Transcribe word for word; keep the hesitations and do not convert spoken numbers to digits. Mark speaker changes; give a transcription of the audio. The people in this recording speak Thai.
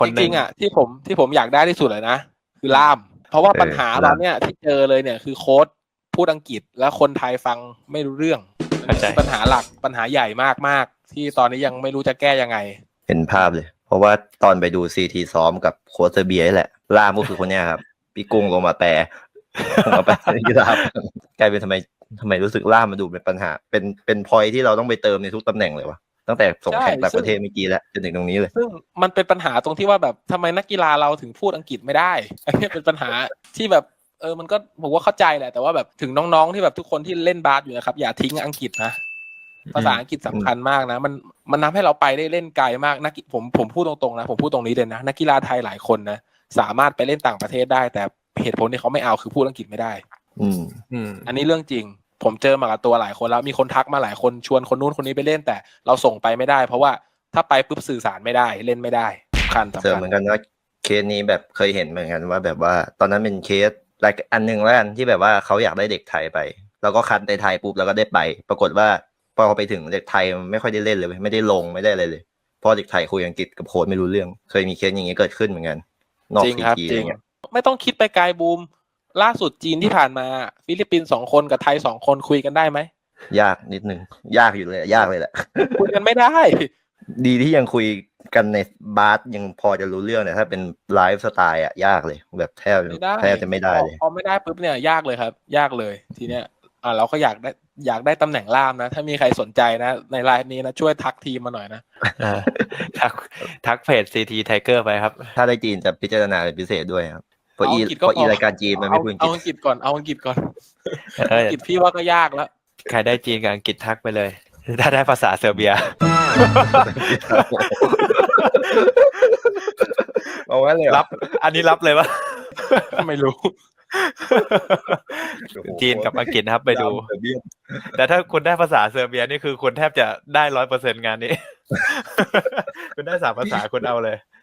Speaker 1: จริงๆอ่ะที่ผมที่ผมอยากได้ที่สุดเลยนะคือล่ามเพราะว่าปัญหาตอนเนี้ยที่เจอเลยเนี่ยคือโค้ดพูดอังกฤษแล้วคนไทยฟังไม่รู้เรื่องคือปัญหาหลักปัญหาใหญ่มากๆที่ตอนนี้ยังไม่รู้จะแก้ยังไง
Speaker 2: เห็นภาพเลยเพราะว่าตอนไปดูซีทีซ้อมกับโค้ชเซอร์เบียนี่แหละล่ามก็คือคนเนี้ยครับพี่กุ้งลงมาแปลลงมาแปลที่ล่ามกลายเป็นทำไมทำไมรู้สึกล่ามมาดูเป็นปัญหาเป็นเป็นพอยที่เราต้องไปเติมในทุกตำแหน่งเลยวะตั้งแต่ส่งแข่งต่างประเทศเมื่อกี้แล้วจนถึงตรงนี้เลย
Speaker 1: ซึ่งมันเป็นปัญหาตรงที่ว่าแบบทำไมนักกีฬาเราถึงพูดอังกฤษไม่ได้อันนี้เป็นปัญหาที่แบบเออมันก็ผมว่าเข้าใจแหละแต่ว่าแบบถึงน้องๆที่แบบทุกคนที่เล่นบาสอยู่นะครับอย่าทิ้งอังกฤษนะภาษาอังกฤษสำคัญมากนะมันมันทำให้เราไปได้เล่นไกลมากนักผมผมพูดตรงๆนะผมพูดตรงนี้เลยนะนักกีฬาไทยหลายคนนะสามารถไปเล่นต่างประเทศได้แต่เหตุผลที่เขาไม่เอาคือพูดอังกฤษไม่ได้
Speaker 2: อืม
Speaker 1: อืมอันนี้เรื่องจริงผมเจอมากับตัวหลายคนแล้วมีคนทักมาหลายคนชวนคนนู้นคนนี้ไปเล่นแต่เราส่งไปไม่ได้เพราะว่าถ้าไปปุ๊บสื่อสารไม่ได้เล่นไม่ได้สำคัญสำคัญ
Speaker 2: เจอเหมือนกันว่าเคสนี้แบบเคยเห็นเหมือนกันว่าแบบว่าตอนนั้นเป็นเคสอะไรอันนึงแล้วกันที่แบบว่าเขาอยากได้เด็กไทยไปแล้วก็คัดในไทยปุ๊บแล้วก็ได้ไปปรากฏว่าพอไปถึงเด็กไทยไม่ค่อยได้เล่นเลยไม่ได้ลงไม่ได้อะไรเลยเพราะเด็กไทยคุยอังกฤษกับโค้ชไม่รู้เรื่องเคยมีเคสอย่างนี้เกิดขึ้นเหมือนกันนอกซีทีอะไรเงี้ย
Speaker 1: ไม่ต้องคิดไปไกลบูมล่าสุดจีนที่ผ่านมาฟิลิปปินส์สองคนกับไทยสองคนคุยกันได้ไหม
Speaker 2: ยากนิดนึงยากอยู่เลยยากเลยแหละ
Speaker 1: คุยกันไม่ได้
Speaker 2: ดีที่ยังคุยกันในบาสยังพอจะรู้เรื่องแต่ถ้าเป็นไลฟ์สไตล์อ่ะยากเลยแบบแทบแทบจะไม่ได้เลย
Speaker 1: พอไม่ได้ปุ๊บเนี่ยยากเลยครับยากเลยทีเนี้ยอ่าเราก็อยากได้อยากได้ตำแหน่งล่ามนะถ้ามีใครสนใจนะในไลน์นี้นะช่วยทักทีมมาหน่อยนะ
Speaker 3: ทักทักเพจ ซี ที Tiger ไปครับ
Speaker 2: ถ้าได้จีนจะพิจารณาเป็นพิเศษด้วยครับเพราะอีเพราะอีรายการจีนมันไม่พูดอังกฤษ
Speaker 1: เอาอังกฤษก่อนเอาอังกฤษก่อนอังกฤษพี่ว่าก็ยากแล้ว
Speaker 3: ใครได้จีนกับอังกฤษทักไปเลยถ้าได้ภาษาเซอร์เบีย
Speaker 2: เอาไว้เลย
Speaker 3: รับอันนี้รับเลยปะ
Speaker 1: ไม่รู้
Speaker 3: จีนกับอังกฤษนะครับไปดูแต่ถ้าคุณได้ภาษาเซอร์เบียนี่คือคุณแทบจะได้ร้อยเปอร์เซ็นต์งานนี้คุณได้สามภาษาคุณเอาเลย